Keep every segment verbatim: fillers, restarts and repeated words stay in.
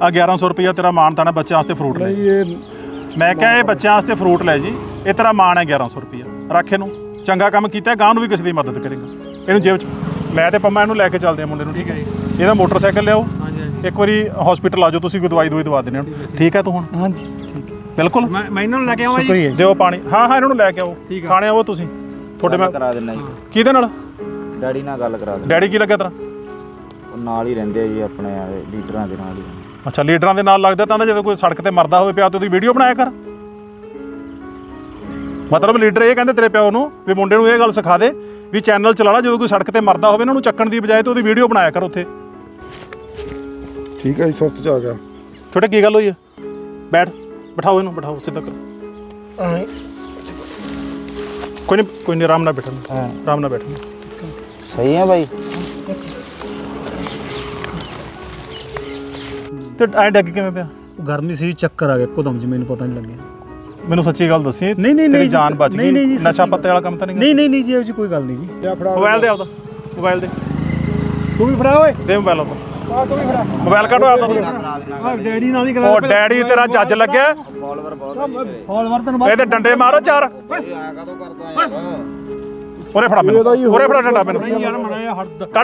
ਆ ਗਿਆਰਾਂ ਸੌ ਰੁਪਈਆ ਤੇਰਾ ਮਾਣ ਤਾਣਾ ਬੱਚਿਆਂ ਵਾਸਤੇ ਫਰੂਟ ਲੈ ਜੀ। ਮੈਂ ਕਿਹਾ ਇਹ ਬੱਚਿਆਂ ਵਾਸਤੇ ਫਰੂਟ ਲੈ ਜੀ, ਇਹ ਤੇਰਾ ਮਾਣ ਹੈ ਗਿਆਰਾਂ ਸੌ ਰੁਪਈਆ ਰੱਖ ਇਹਨੂੰ। ਚੰਗਾ ਕੰਮ ਕੀਤਾ, ਗਾਂ ਨੂੰ ਵੀ ਕਿਸੇ ਦੀ ਮਦਦ ਕਰੇਗਾ। ਇਹਨੂੰ ਜੇਬ 'ਚ ਮੈਂ ਤੇ ਪੰਮਾ ਇਹਨੂੰ ਲੈ ਕੇ ਚੱਲਦੇ ਆ ਮੁੰਡੇ ਨੂੰ, ਠੀਕ ਹੈ ਜੀ। ਇਹਦਾ ਮੋਟਰਸਾਈਕਲ ਲਿਆਓ, ਇੱਕ ਵਾਰੀ ਹਸਪੀਟਲ ਆ ਜਾਓ, ਤੁਸੀਂ ਕੋਈ ਦਵਾਈ ਦਵਾਈ ਦਵਾ ਦਿੰਦੇ ਹੋ, ਠੀਕ ਹੈ ਤੂੰ ਹੁਣ? ਹਾਂਜੀ ਠੀਕ ਹੈ ਬਿਲਕੁਲ। ਮੈਂ ਮੈਂ ਇਹਨਾਂ ਨੂੰ ਲੈ ਕੇ ਆਵਾਂ ਜੀ, ਦਿਓ ਪਾਣੀ। ਹਾਂ ਹਾਂ ਇਹਨਾਂ ਨੂੰ ਲੈ ਕੇ ਆਓ, ਖਾਣੇ ਆਓ ਤੁਸੀਂ। ਤੁਹਾਡੇ ਮੈਂ ਕਰਾ ਦਿੰਦਾ ਜੀ। ਕਿਹਦੇ ਨਾਲ? ਡੈਡੀ ਨਾਲ ਗੱਲ ਕਰਾ ਦੇ। ਡੈਡੀ ਕੀ ਲੱਗਿਆ ਤੇਰਾ? ਉਹ ਨਾਲ ਹੀ ਰਹਿੰਦੇ ਆ ਜੀ, ਆਪਣੇ ਲੀਡਰਾਂ ਦੇ ਨਾਲ ਹੀ। ਅੱਛਾ ਲੀਡਰਾਂ ਦੇ ਨਾਲ ਲੱਗਦਾ ਤਾਂ ਜਦੋਂ ਕੋਈ ਸੜਕ ਤੇ ਮਰਦਾ ਹੋਵੇ ਪਿਆ ਤੇ ਉਹਦੀ ਵੀਡੀਓ ਬਣਾਇਆ ਕਰ। ਮਤਲਬ ਲੀਡਰ ਇਹ ਕਹਿੰਦੇ ਤੇਰੇ ਪਿਓ ਨੂੰ ਵੀ ਮੁੰਡੇ ਨੂੰ ਇਹ ਗੱਲ ਸਿਖਾ ਦੇ ਵੀ ਚੈਨਲ ਚਲਾ ਲਾ, ਜਦੋਂ ਕੋਈ ਸੜਕ ਤੇ ਮਰਦਾ ਹੋਵੇ ਇਹਨਾਂ ਨੂੰ ਚੱਕਣ ਦੀ ਬਜਾਏ ਤੇ ਉਹਦੀ ਵੀਡੀਓ ਬਣਾਇਆ ਕਰ ਉੱਥੇ। ਠੀਕ ਹੈ ਜੀ, ਸੁਸਤ ਚ ਆ ਗਿਆ। ਛੋਟੇ ਕੀ ਗੱਲ ਹੋਈ ਹੈ? ਬੈਠ, ਬਿਠਾਓ ਇਹਨੂੰ, ਬਿਠਾਓ ਸਿੱਧਾ ਕਰੋ। ਕੋਈ ਨਹੀਂ ਕੋਈ ਨਹੀਂ, ਆਰਾਮ ਨਾਲ ਬੈਠਣਾ, ਆਰਾਮ ਨਾਲ ਬੈਠਣਾ। ਸਹੀ ਹੈ ਬਾਈ। ਤੇ ਐ ਡੱਗ ਕਿਵੇਂ ਪਿਆ? ਗਰਮੀ ਸੀ, ਚੱਕਰ ਆ ਗਿਆ ਇੱਕਦਮ ਜੀ, ਮੈਨੂੰ ਪਤਾ ਨਹੀਂ ਲੱਗਿਆ। ਮੈਨੂੰ ਸੱਚੀ ਗੱਲ ਦੱਸੀ। ਨਹੀਂ ਨਹੀਂ ਤੇਰੀ ਜਾਨ ਬਚ ਗਈ। ਨਸ਼ਾ ਪੱਤੇ ਵਾਲਾ ਕੰਮ ਤਾਂ ਨਹੀਂ? ਨਹੀਂ ਨਹੀਂ ਨਹੀਂ ਜੀ, ਇਹੋ ਜਿਹੀ ਕੋਈ ਗੱਲ ਨਹੀਂ ਜੀ। ਮੋਬਾਈਲ ਦੇ ਆਪਦਾ, ਮੋਬਾਈਲ ਦੇ। ਤੂੰ ਵੀ ਫੜਾ ਓਏ, ਦੇ ਮੋਬਾਈਲ ਆਪਦਾ। ਮੋਬਾਈਲ ਕੱਢੋ ਆਪਦਾ। ਡੈਡੀ ਨਾਲ ਹੀ ਉਹ ਡੈਡੀ ਤੇਰਾ ਜੱਜ ਲੱਗਿਆ। ਫਾਲੋਅਰ ਬਹੁਤ ਹੈ। ਫਾਲੋਅਰ ਤੈਨੂੰ ਇਹਦੇ ਡੰਡੇ ਮਾਰੋ ਚਾਰ। ਆਇਆ ਕਦੋਂ ਕਰਦਾ ਯਾਰ? ਉਰੇ ਫੜਾ ਮੈਨੂੰ, ਉਰੇ ਫੜਾ ਡੰਡਾ ਮੈਨੂੰ। ਯਾਰ ਮੜਾਇਆ ਹੱਦ ਕੱਢ।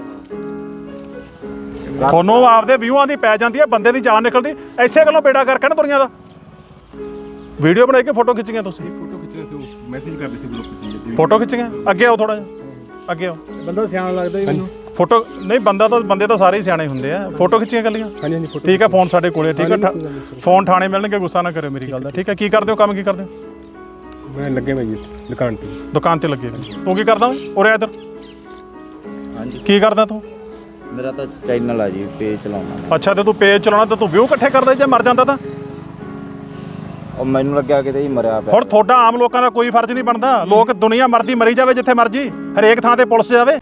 ਤੁਹਾਨੂੰ ਆਪਦੇ ਵਿਊਆਂ ਦੀ ਪੈ ਜਾਂਦੀ ਹੈ, ਬੰਦੇ ਦੀ ਜਾਨ ਨਿਕਲਦੀ ਐਸੇ ਗੱਲੋਂ ਬੇੜਾ ਕਰਕੇ ਨਾ ਦੁਨੀਆ ਦਾ। ਵੀਡੀਓ ਬਣਾ ਕੇ ਫੋਟੋ ਖਿੱਚੀਆਂ ਤੁਸੀਂ? ਫੋਟੋ ਖਿੱਚਦੇ ਸੀ, ਮੈਸੇਜ ਕਰਦੇ ਸੀ ਗਰੁੱਪ 'ਚ। ਫੋਟੋ ਖਿੱਚੀਆਂ? ਅੱਗੇ ਆਓ ਥੋੜਾ ਜਿਹਾ, ਅੱਗੇ ਆਓ। ਬੰਦਾ ਸਿਆਣਾ ਲੱਗਦਾ ਜੀ ਮੈਨੂੰ। ਫੋਟੋ ਨਹੀਂ, ਬੰਦਾ ਤਾਂ ਬੰਦੇ ਤਾਂ ਸਾਰੇ ਹੀ ਸਿਆਣੇ ਹੁੰਦੇ ਆ। ਫੋਟੋ ਖਿੱਚੀਆਂ ਕੱਲੀਆਂ? ਹਾਂਜੀ ਹਾਂਜੀ ਫੋਟੋ। ਠੀਕ ਹੈ, ਫੋਨ ਸਾਡੇ ਕੋਲੇ, ਠੀਕ ਹੈ। ਫੋਨ ਥਾਣੇ ਮਿਲਣਗੇ, ਗੁੱਸਾ ਨਾ ਕਰਿਓ ਮੇਰੀ ਗੱਲ ਦਾ, ਠੀਕ ਹੈ। ਕੀ ਕਰਦੇ ਹੋ, ਕੰਮ ਕੀ ਕਰਦੇ ਹੋ? ਮੈਂ ਲੱਗੇ ਮੈਂ ਜੀ ਦੁਕਾਨ ਤੇ। ਦੁਕਾਨ ਤੇ ਲੱਗੇ। ਤੂੰ ਕੀ ਕਰਦਾ? ਉਰੇ ਇੱਧਰ। ਹਾਂਜੀ। ਕੀ ਕਰਦਾ ਤੂੰ? ਮੇਰਾ ਤਾਂ ਚੈਨਲ ਆ ਜੀ, ਪੇਜ ਚਲਾਉਣਾ। ਅੱਛਾ, ਤੇ ਤੂੰ ਪੇਜ ਚਲਾਉਣਾ ਤੇ ਤੂੰ ਵਿਊ ਇਕੱਠੇ ਕਰਦਾ ਜੇ ਮਰ ਜਾਂਦਾ ਤਾਂ? ਉਹ ਮੈਨੂੰ ਲੱਗਿਆ ਕਿਤੇ ਹੀ ਮਰਿਆ ਪਿਆ। ਹੁਣ ਤੁਹਾਡਾ ਆਮ ਲੋਕਾਂ ਦਾ ਕੋਈ ਫਰਜ਼ ਨਹੀਂ ਬਣਦਾ। ਲੋਕ ਦੁਨੀਆ ਮਰਦੀ ਮਰੀ ਜਾਵੇ ਜਿੱਥੇ ਮਰਜੀ, ਹਰੇਕ ਥਾਂ ਤੇ ਪੁਲਿਸ ਜਾਵੇ।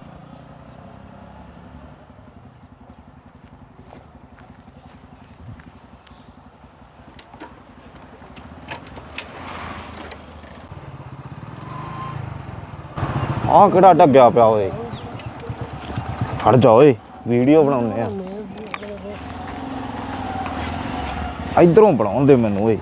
ਆਹ ਕਿਹੜਾ ਡੱਗਿਆ ਪਿਆ ਓਏ? ਹਟ ਜਾ ਓਏ, ਵੀਡੀਓ ਬਣਾਉਣੇ ਆ। ਇਧਰੋਂ ਬਣਾਉਣ ਦੇ ਮੈਨੂੰ ਓਏ।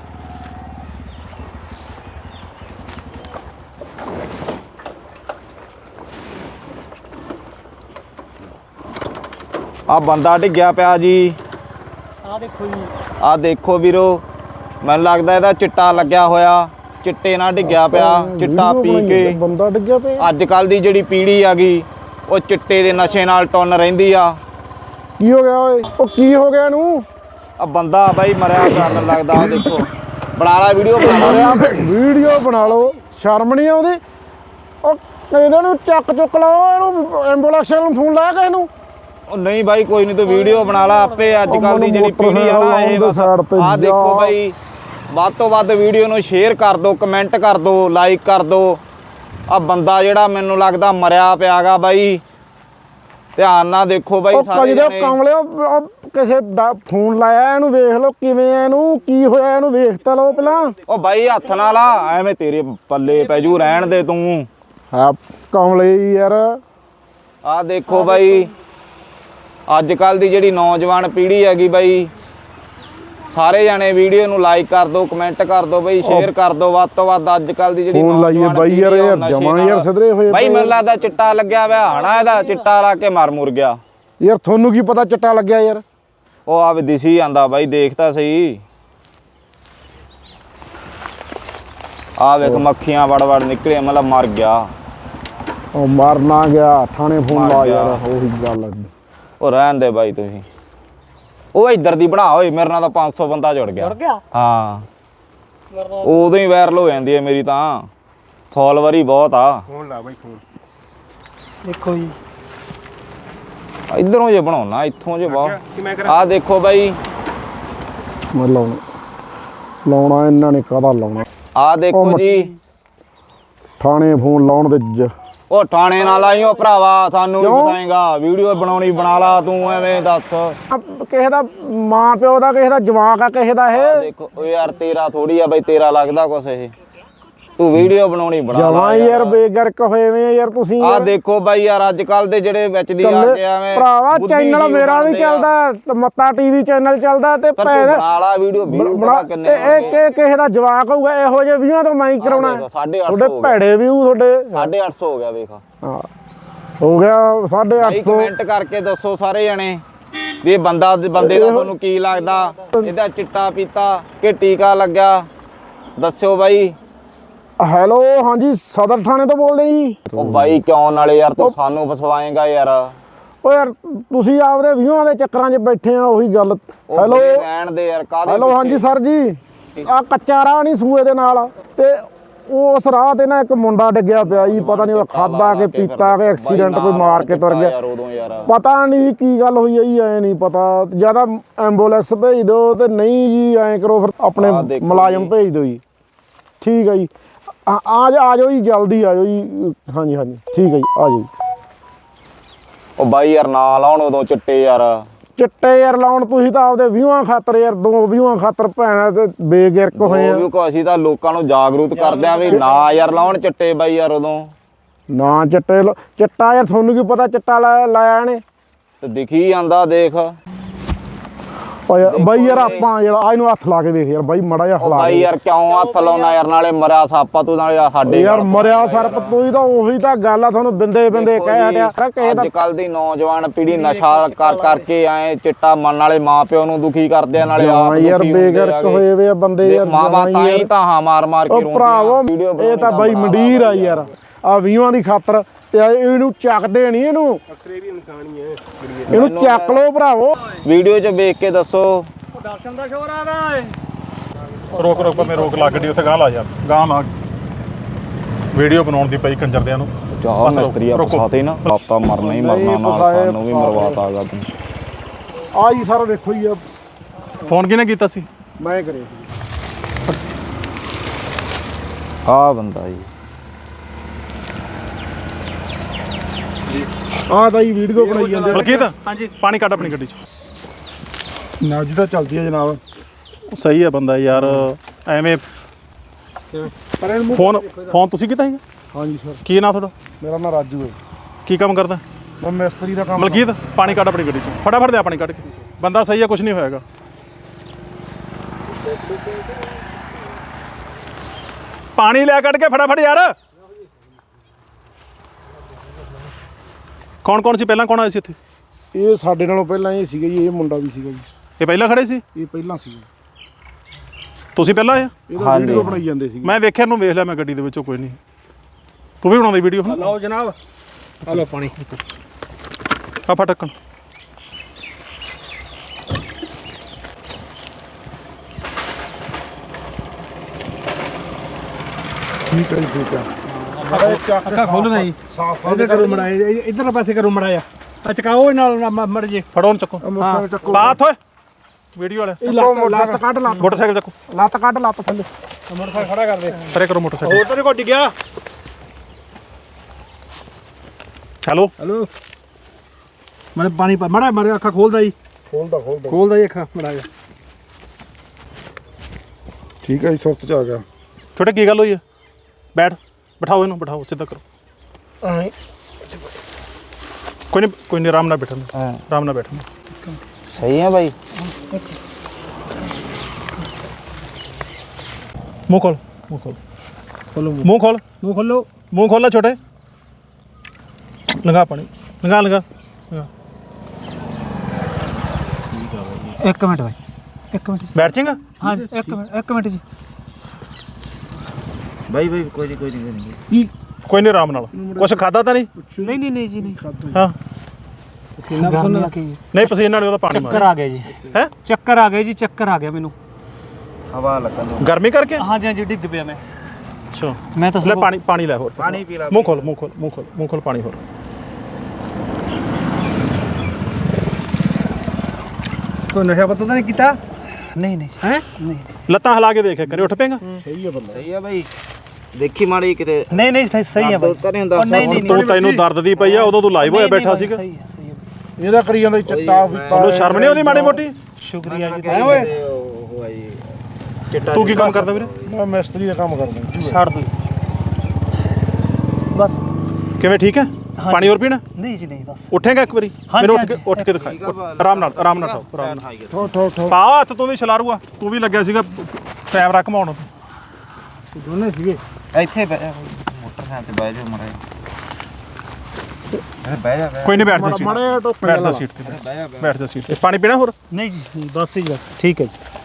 ਆ ਬੰਦਾ ਡਿੱਗਿਆ ਪਿਆ ਜੀ। ਆ ਦੇਖੋ ਜੀ, ਆ ਦੇਖੋ ਵੀਰੋ, ਮੈਨੂੰ ਲੱਗਦਾ ਇਹਦਾ ਚਿੱਟਾ ਲੱਗਿਆ ਹੋਇਆ। ਚਿੱਟੇ ਨਾਲ ਡਿੱਗਿਆ ਪਿਆ, ਚਿੱਟਾ ਪੀ ਕੇ। ਬੰਦਾ ਡਿੱਗਿਆ ਪਿਆ। ਅੱਜ ਕੱਲ ਦੀ ਜਿਹੜੀ ਪੀੜ੍ਹੀ ਆ ਗਈ, ਉਹ ਚਿੱਟੇ ਦੇ ਨਸ਼ੇ ਨਾਲ ਟੁੰਨ ਰਹਿੰਦੀ ਆ। ਕੀ ਹੋ ਗਿਆ ਓਏ? ਉਹ ਕੀ ਹੋ ਗਿਆ ਇਹਨੂੰ? ਆ ਬੰਦਾ ਬਾਈ ਮਰਿਆ ਕਰਨ ਲੱਗਦਾ। ਉਹ ਦੇਖੋ, ਬਣਾ ਲਾ ਵੀਡੀਓ, ਬਣਾ ਲਾ। ਵੀਡੀਓ ਬਣਾ ਲਓ, ਸ਼ਰਮ ਨਹੀਂ ਆਉਂਦੀ? ਉਹ ਇਹਨਾਂ ਨੂੰ ਚੱਕ ਚੁੱਕ ਲਾਓ, ਇਹਨੂੰ ਐਂਬੂਲੈਂਸ ਨੂੰ ਫੋਨ ਲਾ ਕੇ ਇਹਨੂੰ। ਉਹ ਨਹੀਂ ਬਾਈ, ਕੋਈ ਨਹੀਂ, ਤੂੰ ਵੀਡੀਓ ਬਣਾ ਲਾ ਆਪੇ। ਅੱਜ ਕੱਲ ਦੀ ਜਿਹੜੀ ਪੀੜ੍ਹੀ ਆ ਨਾ, ਇਹ ਬਸ ਆਹ ਦੇਖੋ ਬਾਈ, ਵੱਧ ਤੋਂ ਵੱਧ ਵੀਡੀਓ ਨੂੰ ਸ਼ੇਅਰ ਕਰ ਦਿਓ, ਕਮੈਂਟ ਕਰ ਦਿਓ, ਲਾਈਕ ਕਰ ਦਿਓ। ਆ ਬੰਦਾ ਜਿਹੜਾ ਮੈਨੂੰ ਲੱਗਦਾ ਮਰਿਆ ਪਿਆਗਾ ਬਾਈ, ਧਿਆਨ ਨਾਲ ਦੇਖੋ ਬਾਈ ਸਾਰੇ ਜਣੇ। ਕਮਲਿਓ, ਕਿਸੇ ਫੋਨ ਲਾਇਆ ਇਹਨੂੰ, ਵੇਖ ਲਓ ਕਿਵੇਂ ਆ, ਇਹਨੂੰ ਕੀ ਹੋਇਆ, ਇਹਨੂੰ ਵੇਖ ਤਾਂ ਲਓ ਪਹਿਲਾਂ। ਉਹ ਬਾਈ ਹੱਥ ਨਾਲ ਆ, ਐਵੇਂ ਤੇਰੇ ਪੱਲੇ ਪੈ ਜੂ, ਰਹਿਣ ਦੇ ਤੂੰ। ਹਾਂ ਕਮਲੇ ਯਾਰ। ਆ ਦੇਖੋ ਬਾਈ, ਅੱਜ ਕੱਲ ਦੀ ਜਿਹੜੀ ਨੌਜਵਾਨ ਪੀੜ੍ਹੀ ਹੈਗੀ ਬਾਈ, ਸਾਰੇ ਜਾਣੇ ਵੀਡੀਓ ਨੂੰ ਲਾਈਕ ਕਰ ਦਿਓ, ਕਮੈਂਟ ਕਰ ਦਿਓ ਬਾਈ, ਸ਼ੇਅਰ ਕਰ ਦਿਓ ਵੱਧ ਤੋਂ ਵੱਧ। ਅੱਜ ਕੱਲ ਦੀ ਜਿਹੜੀ ਫੋਨ ਲਾਈਏ ਬਾਈ ਯਾਰ, ਯਾਰ ਜਮਾਂ ਯਾਰ ਸਿੱਧਰੇ ਹੋਏ ਬਾਈ। ਮੈਨੂੰ ਲੱਗਦਾ ਚਿੱਟਾ ਲੱਗਿਆ ਹੋਇਆ ਹਣਾ, ਇਹਦਾ ਚਿੱਟਾ ਲਾ ਕੇ ਮਰ ਮੁਰ ਗਿਆ ਯਾਰ। ਤੁਹਾਨੂੰ ਕੀ ਪਤਾ ਚਿੱਟਾ ਲੱਗਿਆ ਯਾਰ? ਉਹ ਆ ਵੀ ਦਿਸੀ ਜਾਂਦਾ ਬਾਈ, ਦੇਖ ਤਾਂ ਸਹੀ। ਆ ਵੇਖ, ਮੱਖੀਆਂ ਵੜ ਵੜ ਨਿਕਲੇ, ਮਤਲਬ ਮਰ ਗਿਆ। ਉਹ ਮਰ ਨਾ ਗਿਆ, ਥਾਣੇ ਫੋਨ ਲਾ ਯਾਰ, ਉਹੀ ਗੱਲ। ਉਹ ਰਹਿਣ ਦੇ ਬਾਈ ਤੁਸੀਂ। ਉਹ ਇੱਧਰ ਦੀ ਬਣਾ ਓਏ, ਮੇਰੇ ਨਾਲ ਤਾਂ ਪੰਜ ਸੌ ਬੰਦਾ ਜੁੜ ਗਿਆ। ਜੁੜ ਗਿਆ? ਹਾਂ, ਉਦੋਂ ਹੀ ਵਾਇਰਲ ਹੋ ਜਾਂਦੀ ਹੈ ਮੇਰੀ ਤਾਂ, ਫਾਲੋਅਰ ਹੀ ਬਹੁਤ ਆ। ਫੋਨ ਲਾ ਬਾਈ, ਫੋਨ ਦੇਖੋ ਜੀ, ਇਧਰੋਂ ਜੇ ਬਣਾਉਣਾ, ਇੱਥੋਂ ਜੇ ਬਾਹਰ। ਆ ਦੇਖੋ ਬਾਈ, ਮੈਂ ਲਾਉਣਾ ਲਾਉਣਾ ਇਹਨਾਂ ਨੇ ਕਾਹਦਾ ਲਾਉਣਾ? ਆ ਦੇਖੋ ਜੀ, ਥਾਣੇ ਫੋਨ ਲਾਉਣ ਦੇ। ਉਹ ਥਾਣੇ ਨਾਲ ਆਈਓ ਭਰਾਵਾ, ਸਾਨੂੰ ਵੀ ਬਤਾਏਗਾ। ਵੀਡੀਓ ਬਣਾਉਣੀ ਬਣਾ ਲਾ ਤੂੰ, ਐਵੇਂ ਦੱਸ। ਕਿਸੇ ਦਾ ਮਾਂ ਪਿਓ ਦਾ, ਕਿਸੇ ਦਾ ਜਵਾਕ ਆ, ਕਿਸੇ ਦਾ ਇਹ। ਦੇਖੋ ਓ ਯਾਰ, ਤੇਰਾ ਥੋੜੀ ਆ ਬਾਈ, ਤੇਰਾ ਲੱਗਦਾ ਕੁਛ ਇਹ। ਤੂੰ ਵੀਡੀਓ ਬਣਾਉਣੀ ਬਣਾ ਜਮਾਂ ਹੀ ਯਾਰ ਬੇਗਰਕ ਹੋਏ ਵੇ ਆ ਯਾਰ ਤੁਸੀਂ ਆ ਯਾਰ। ਦੇਖੋ ਬਾਈ ਯਾਰ ਅੱਜ ਕੱਲ ਦੇ ਜਿਹੜੇ ਵਿੱਚ ਦੀ ਆ ਕੇ ਐਵੇਂ ਭਰਾਵਾ ਬੁੱਧੀ ਚੈਨਲ ਜੀਵ ਮੇਰਾ ਵੀ ਬਣਦੇ ਆ। ਚੱਲਦਾ, ਮੱਤਾ ਟੀਵੀ ਚੈਨਲ ਚੱਲਦਾ ਤੇ ਪਰ ਤੂੰ ਭੈਣ ਬਣਾ ਲਾ ਵੀਡੀਓ ਵੀਊ ਬਣਾ ਪਤਾ ਕਿੰਨੇ ਇਹ ਇਹ ਕਿਸੇ ਦਾ ਜਵਾਕ ਹੋਊਗਾ ਇਹੋ ਜਿਹੇ ਵੀਆਂ ਤੋਂ ਮੈਂ ਹੀ ਕਰਾਉਣਾ। ਦੇਖੋ, ਸਾਢੇ ਅੱਠ ਸੌ ਤੁਹਾਡੇ ਹੋ ਗਿਆ। ਭੈੜੇ ਵਿਊ ਤੁਹਾਡੇ ਸਾਢੇ ਅੱਠ ਸੌ ਹੋ ਗਿਆ ਵੇਖ ਹਾਂ ਹੋ ਗਿਆ ਸਾਢੇ ਅੱਠ ਭਾਈ ਸੌ। ਕਮੈਂਟ ਕਰਕੇ ਦੱਸੋ ਸਾਰੇ ਜਣੇ ਵੀ ਇਹ ਬੰਦਾ ਬੰਦੇ ਦਾ ਤੁਹਾਨੂੰ ਕੀ ਲੱਗਦਾ, ਇਹਦਾ ਚਿੱਟਾ ਪੀਤਾ ਕਿ ਟੀਕਾ ਲੱਗਿਆ, ਦੱਸਿਓ ਬਾਈ। ਹੈਲੋ ਹਾਂਜੀ ਸਦਰ ਥਾਣੇ ਤੋਂ ਬੋਲਦੇ ਜੀ। ਉਹ ਬਾਈ ਕਿਉਂ ਨਾਲੇ ਯਾਰ ਤੂੰ ਸਾਨੂੰ ਫਸਵਾਏਗਾ ਯਾਰ। ਓ ਯਾਰ ਤੁਸੀਂ ਆਪਦੇ ਵਿਊਆਂ ਦੇ ਚੱਕਰਾਂ 'ਚ ਬੈਠੇ ਆ ਉਹੀ ਗੱਲ। ਉਹ ਹੈਲੋ ਬਈ ਰਹਿਣ ਦੇ ਯਾਰ ਕਾਹਦੇ ਹੈਲੋ ਹਾਂਜੀ ਸਰ ਜੀ, ਆ ਕੱਚਾ ਰਾਹ ਨਹੀਂ ਸੂਏ ਦੇ ਨਾਲ ਤੇ ਉਸ ਰਾਹ ਤੇ ਨਾ ਇੱਕ ਮੁੰਡਾ ਡਿੱਗਿਆ ਪਿਆ ਜੀ, ਪਤਾ ਨਹੀਂ ਉਹ ਖਾਦਾ ਕੇ ਪੀਤਾ ਕੇ ਐਕਸੀਡੈਂਟ ਕੋਈ ਮਾਰ ਕੇ ਤੁਰ ਗਿਆ, ਯਾਰ ਉਦੋਂ ਯਾਰ ਪਤਾ ਨਹੀਂ ਕੀ ਗੱਲ ਹੋਈ ਹੈ ਜੀ, ਐ ਨਹੀਂ ਪਤਾ। ਜਿਆਦਾ ਐਂਬੂਲੈਂਸ ਭੇਜ ਦਿਓ ਤੇ ਨਹੀਂ ਜੀ ਐਂ ਕਰੋ ਫਿਰ ਆਪਣੇ ਆਹ ਦੇਖੋ ਮੁਲਾਜ਼ਮ ਜੀ। ਭੇਜ ਦਿਓ ਜੀ। ਠੀਕ ਹੈ ਜੀ ਆ ਆ ਜਾ- ਆ ਜਾਓ ਜੀ ਜਲਦੀ ਆ ਜਾਓ ਜੀ। ਹਾਂਜੀ ਹਾਂਜੀ ਠੀਕ ਹੈ ਜੀ ਆ ਜਾਓ ਜੀ। ਉਹ ਬਾਈ ਯਾਰ ਨਾ ਲਾਉਣ ਉਦੋਂ ਚਿੱਟੇ ਯਾਰ। ਚਿੱਟੇ ਯਾਰ ਲਾਉਣ ਤੁਸੀਂ ਤਾਂ ਆਪਦੇ ਵਿਊਆਂ ਖਾਤਰ ਯਾਰ ਦੋ ਵਿਊਆਂ ਖਾਤਰ ਭੈਣਾਂ ਤੇ ਬੇਗਿਰਕ ਹੋਏ ਆ। ਉਹ ਵੀ ਕੋ ਅਸੀਂ ਤਾਂ ਲੋਕਾਂ ਨੂੰ ਜਾਗਰੂਕ ਕਰਦੇ ਆ ਵੀ ਨਾ ਯਾਰ ਲਾਉਣ ਚਿੱਟੇ ਬਾਈ ਯਾਰ ਉਦੋਂ। ਨਾ ਚਿੱਟੇ ਲਾ- ਚਿੱਟਾ ਯਾਰ ਤੁਹਾਨੂੰ ਕੀ ਪਤਾ ਚਿੱਟਾ ਲਾਇਆ ਲਾਇਆ ਇਹਨੇ। ਤੇ ਦਿਖੀ ਜਾਂਦਾ ਦੇਖ। ਓ ਯਾਰ ਬਾਈ ਯਾਰ ਆਪਾਂ ਯਾਰ ਆ ਇਹਨੂੰ ਹੱਥ ਲਾ ਕੇ ਦੇਖ ਯਾਰ ਬਾਈ ਮੜਾ ਜਿਹਾ ਉਹ ਹਲਾ ਬਾਈ ਦੇ। ਯਾਰ ਕਿਉਂ ਹੱਥ ਲਾਉਣਾ ਯਾਰ, ਨਾਲੇ ਮਰਿਆ ਸਾਪਾ ਤੂੰ ਨਾਲੇ ਸਾਡੇ ਯਾਰ ਮਰਿਆ ਸਰਪ ਤੂੰ ਤਾਂ ਉਹੀ ਤਾਂ ਗੱਲ ਆ, ਤੁਹਾਨੂੰ ਬਿੰਦੇ ਬਿੰਦੇ ਕਹਿ ਹਟਿਆ ਕਿਸੇ ਦਾ। ਅੱਜ ਕੱਲ ਦੀ ਨੌਜਵਾਨ ਪੀੜ੍ਹੀ ਨਸ਼ਾ ਕਰ ਕਰਕੇ ਐ ਚਿੱਟਾ ਮੰਨ ਵਾਲੇ ਮਾਪਿਓ ਨੂੰ ਦੁਖੀ ਕਰਦੇ ਆ, ਨਾਲੇ ਆਪ ਹਾਂ ਯਾਰ ਦੁਖੀ ਹੁੰਦੇ ਬੇਗਰਕ ਆਗੇ। ਹੋਏ ਵੇ ਆ ਬੰਦੇ ਯਾਰ। ਮਾਵਾ ਤਾਂ ਹੀ ਤਾਂ ਹਾਂ ਮਾਰ ਮਾਰ ਕੇ ਉਹ ਰੋਂਦੀਆਂ ਭਰਾਵੋ ਵੀਡੀਓ ਇਹ ਤਾਂ ਬਾਈ ਮੰਡੀਰ ਆ ਯਾਰ ਆ ਵੀਹਾਂ ਦੀ ਖਾਤਰ ਤੇ ਇਹਨੂੰ ਚੱਕਦੇ ਨਹੀਂ ਇਹਨੂੰ ਅਕਸਰੇ ਵੀ ਇਨਸਾਨ ਹੀ ਹੈ। ਇਹਨੂੰ ਚੱਕ ਲਓ ਭਰਾਵੋ। ਵੀਡੀਓ 'ਚ ਵੇਖ ਕੇ ਦੱਸੋ। ਦਰਸ਼ਨ ਦਾ ਸ਼ੋਰ ਆਦਾ ਓਏ। ਰੋਕ ਰੋਕ ਮੈਂ ਰੋਕ ਲਾ ਗੱਡੀ ਉੱਥੇ ਗਾਂ ਲਾ ਯਾਰ, ਗਾਂ ਲਾ। ਵੀਡੀਓ ਬਣਾਉਣ ਦੀ ਪਈ ਕੰਜਰਦਿਆਂ ਨੂੰ। ਚਾਹ ਬਸ ਮਿਸਤਰੀ ਆ ਰੁਕੋ। ਫਸਾਤੇ ਨਾ, ਆਪਤਾ ਮਰਨਾ ਹੀ ਮਰਨਾ, ਨਾਲ ਸਾਨੂੰ ਵੀ ਮਰਵਾਤਾ ਗਾ ਤੂੰ। ਆ ਜੀ ਸਰ ਵੇਖੋ ਜੀ ਆ ਫੋਨ ਕਿਹਨੇ ਕੀਤਾ ਸੀ? ਮੈਂ ਕਰੇ ਆ ਬੰਦਾ ਜੀ ਆ ਤਾਂ ਜੀ ਵੀਡੀਓ ਬਣਾਈ ਜਾਂਦੇ ਬਲਕੀਤ ਹਾਂਜੀ ਪਾਣੀ ਕੱਢ ਆਪਣੀ ਗੱਡੀ 'ਚ। ਨਾ ਜੀ ਤਾਂ ਚੱਲਦੀ ਹੈ ਜਨਾਬ। ਸਹੀ ਹੈ ਬੰਦਾ ਯਾਰ, ਐਵੇਂ ਪਰ ਇਹਨੂੰ ਫੋਨ ਫੋਨ ਤੁਸੀਂ ਕੀਤਾ ਸੀਗਾ? ਹਾਂਜੀ ਸਰ ਕੀ ਨਾਂ ਤੁਹਾਡਾ? ਮੇਰਾ ਨਾਮ ਰਾਜੂ ਹੈ, ਕੀ ਕੰਮ ਕਰਦਾ? ਮੈਂ ਮਿਸਤਰੀ ਦਾ ਕੰਮ ਮਲਕੀਤ ਪਾਣੀ ਕੱਢ ਆਪਣੀ ਗੱਡੀ 'ਚ, ਫਟਾਫਟ ਦੇ ਪਾਣੀ ਕੱਢ ਕੇ। ਬੰਦਾ ਸਹੀ ਹੈ, ਕੁਝ ਨਹੀਂ ਹੋਏਗਾ। ਪਾਣੀ ਲੈ ਕੱਢ ਕੇ ਫਟਾਫਟ ਯਾਰ। ਕੌਣ ਕੌਣ ਸੀ ਪਹਿਲਾਂ, ਕੌਣ ਆਇਆ ਸੀ ਇੱਥੇ? ਇਹ ਸਾਡੇ ਨਾਲੋਂ ਪਹਿਲਾਂ ਇਹ ਸੀਗਾ ਜੀ, ਇਹ ਮੁੰਡਾ ਵੀ ਸੀਗਾ ਜੀ, ਇਹ ਪਹਿਲਾਂ ਖੜੇ ਸੀ? ਇਹ ਪਹਿਲਾਂ ਸੀਗਾ। ਤੁਸੀਂ ਪਹਿਲਾਂ ਆਏ? ਇਹਦਾ ਵੀਡੀਓ ਬਣਾਈ ਜਾਂਦੇ ਸੀਗੇ। ਮੈਂ ਵੇਖਿਆ ਨੂੰ ਵੇਖ ਲਿਆ ਮੈਂ ਗੱਡੀ ਦੇ ਵਿੱਚੋਂ, ਕੋਈ ਨਹੀਂ। ਤੂੰ ਵੀ ਬਣਾਉਂਦੀ ਵੀਡੀਓ? ਲਓ ਜਨਾਬ ਆ ਲਓ ਪਾਣੀ। ਆ ਫਾ ਢੱਕਣ। ਠੀਕ ਹੈ ਜੀ ਠੀਕ ਹੈ। ਅੱਖਾਂ ਖੋਲਣਾ ਜੀ, ਸਾਫ ਇੱਧਰ ਕਰੋ ਮੜਾ, ਇੱਧਰ ਪਾਸੇ ਕਰੋ ਮੜਾ ਜਾ। ਆ ਚਕਾਓ ਨਾਲ ਮੜ ਜੇ। ਫੜੋ ਉਹਨੂੰ ਚੱਕੋ। ਮੋਟਰਸਾਈਕਲ ਚੱਕੋ। ਬਾਤ ਓਏ ਵੀਡੀਓ ਵਾਲਾ। ਇਹ ਲੱਤ ਲੱਤ ਕੱਢ ਲੱਤ ਮੋਟਰਸਾਈਕਲ ਚੱਕੋ, ਲੱਤ ਕੱਢ ਲੱਤ ਥੱਲੇ। ਮੋਟਰਸਾਈਕਲ ਖੜਾ ਕਰ ਦੇ। ਪਰੇ ਕਰੋ ਮੋਟਰਸਾਈਕਲ। ਹੋਰ ਤਾਂ ਕੋਈ ਡਿੱਗਿਆ। ਹੈਲੋ ਹਲੋ ਮੈਂ ਪਾਣੀ ਪਾ ਮੜਾ ਮਾਰੇ, ਅੱਖਾਂ ਖੋਲਦਾ ਜੀ, ਖੋਲਦਾ ਖੋਲਦਾ ਖੋਲਦਾ ਜੀ ਅੱਖਾਂ ਮੜਾ ਜਾ। ਠੀਕ ਹੈ ਜੀ, ਸੁਰਤ ਚ ਆ ਗਿਆ। ਛੋਟੇ ਕੀ ਗੱਲ ਹੋਈ ਹੈ? ਬੈਠ, ਬਿਠਾਓ ਇਹਨੂੰ, ਬਿਠਾਓ, ਸਿੱਧਾ ਕਰੋ। ਕੋਈ ਨਹੀਂ ਕੋਈ ਨਹੀਂ, ਆਰਾਮ ਨਾਲ ਬੈਠਣਾ, ਆਰਾਮ ਨਾਲ ਬੈਠਣਾ। ਸਹੀ ਹੈ ਬਾਈ। ਮੂੰਹ ਖੋਲ, ਮੂੰਹ ਖੋਲ, ਖੋਲੋ ਮੂੰਹ ਖੋਲ, ਮੂੰਹ ਖੋਲੋ। ਮੂੰਹ ਖੋਲਣਾ ਛੋਟੇ। ਲੰਘਾ ਪਾਣੀ, ਲੰਘਾ ਲੰਘਾ ਲੰਘਾ। ਇੱਕ ਮਿੰਟ ਬਾਈ, ਇੱਕ ਮਿੰਟ। ਬੈਠ ਜਾਏਗਾ? ਹਾਂ ਜੀ ਇੱਕ ਮਿੰਟ, ਇੱਕ ਮਿੰਟ ਜੀ। ਬਾਈ ਬਾਈ ਕੋਈ ਨਹੀਂ ਕੋਈ ਨਹੀਂ ਕੋਈ ਨਹੀਂ। ਕੀ ਕੋਈ ਨਹੀਂ, ਆਰਾਮ ਨਾਲ। ਕੁਛ ਖਾਦਾ ਤਾਂ ਨਹੀਂ? ਨਹੀਂ ਨਹੀਂ ਨਹੀਂ ਜੀ ਨਹੀਂ। ਹਾਂ ਪਸੀਨਾ ਖੋਲਣਾ ਕੀ ਨਹੀਂ, ਪਸੀਨਾ ਨਹੀਂ, ਉਹਦਾ ਪਾਣੀ ਚੱਕਰ ਮਾਰ। ਆ ਗਿਆ ਜੀ, ਹੈ ਚੱਕਰ ਆ ਗਏ ਜੀ, ਚੱਕਰ ਆ ਗਿਆ ਮੈਨੂੰ। ਹਵਾ ਲੱਗਣ ਦੋ। ਗਰਮੀ ਕਰਕੇ? ਹਾਂਜੀ ਹਾਂਜੀ ਡਿੱਗ ਪਿਆ ਮੈਂ। ਅੱਛਾ ਮੈਂ ਤਾਂ ਲੈ ਪਾਣੀ, ਪਾਣੀ ਲੈ ਹੋਰ। ਪਾਣੀ ਪੀ ਲੈ। ਮੂੰਹ ਖੋਲ, ਮੂੰਹ ਖੋਲ, ਮੂੰਹ ਖੋਲ, ਮੂੰਹ ਖੋਲ, ਪਾਣੀ ਹੋਰ। ਕੋਈ ਨਸ਼ਾ ਪਤਾ ਤਾਂ ਨਹੀਂ ਕੀਤਾ? ਨਹੀਂ ਨਹੀਂ ਹੈ ਨਹੀਂ ਲੱਤਾਂ ਹਿਲਾ ਕੇ ਦੇਖ ਕਰੇ, ਉੱਠ ਪਏਗਾ? ਸਹੀ ਹੈ ਬੰਦਾ। ਸਹੀ ਹੈ ਬਾਈ, ਦੇਖੀ ਮਾੜੀ ਕਿਤੇ ਨਹੀਂ ਨਹੀਂ ਸਹੀ ਹੈ ਬਾਈ। ਤਾਂ ਨਹੀਂ ਹੁੰਦਾ। ਉਹ ਨਹੀਂ ਨਹੀਂ ਤੂੰ ਤੈਨੂੰ ਦਰਦ ਦੀ ਪਈ ਆ, ਉਦੋਂ ਤੂੰ ਲਾਈਵ ਹੋਇਆ ਬੈਠਾ ਸੀਗਾ। ਸਹੀ ਹੈ ਸਹੀ ਹੈ। ਇਹਦਾ ਕਰੀ ਜਾਂਦਾ ਚਿੱਟਾ ਪੀਤਾ। ਉਹਨੂੰ ਸ਼ਰਮ ਨਹੀਂ ਆਉਂਦੀ ਮਾੜੀ ਮੋਟੀ? ਸ਼ੁਕਰੀਆ ਜੀ। ਉਹ ਹੋਇਆ ਜੀ ਚਿੱਟਾ। ਤੂੰ ਕੀ ਕੰਮ ਕਰਦਾ ਵੀਰੇ? ਮੈਂ ਮਿਸਤਰੀ ਦਾ ਕੰਮ ਕਰਦਾ। ਛੱਡ ਦੋ। ਬਸ ਕਿਵੇਂ ਠੀਕ ਹੈ ਪਾਣੀ ਹੋਰ ਪੀਣਾ ਨਹੀਂ ਜੀ ਨਹੀਂ ਬਸ ਉੱਠੇਗਾ ਇੱਕ ਵਾਰੀ ਹਾਂਜੀ, ਮੈਨੂੰ ਉੱਠ ਕੇ ਹਾਂਜੀ। ਉੱਠ ਕੇ ਦਿਖਾਈ ਆਰਾਮ ਨਾਲ ਆਰਾਮ ਨਾਲ ਖਾਓ ਆਰਾਮ ਨਾਲ ਠੋ ਠੋ ਠੋ ਪਾ ਹੱਥ ਤੂੰ ਵੀ ਛਲਾਰੂਆ ਤੂੰ ਵੀ ਲੱਗਿਆ ਸੀਗਾ ਕੈਮਰਾ ਘਮਾਉਣ ਦੋਨੇ ਸੀਗੇ ਇੱਥੇ ਬਹਿ ਜਾ ਮੋਟਰਸਾਈਕਲ ਤੇ ਬਹਿ ਜਾ ਮਰੇ ਬਹਿ ਜਾ ਕੋਈ ਨਹੀਂ ਬੈਠ ਜਾ ਸੀਟ ਮਾੜੇ ਟੋਕਰੇ ਬੈਠ ਜਾ ਸੀਟ ਤੇ ਬਹਿ ਜਾ ਬੈਠ ਜਾ ਸੀਟ ਤੇ ਪਾਣੀ ਪੀਣਾ ਹੋਰ ਨਹੀਂ ਜੀ ਨਹੀਂ, ਬਸ ਜੀ ਬਸ ਠੀਕ ਹੈ ਜੀ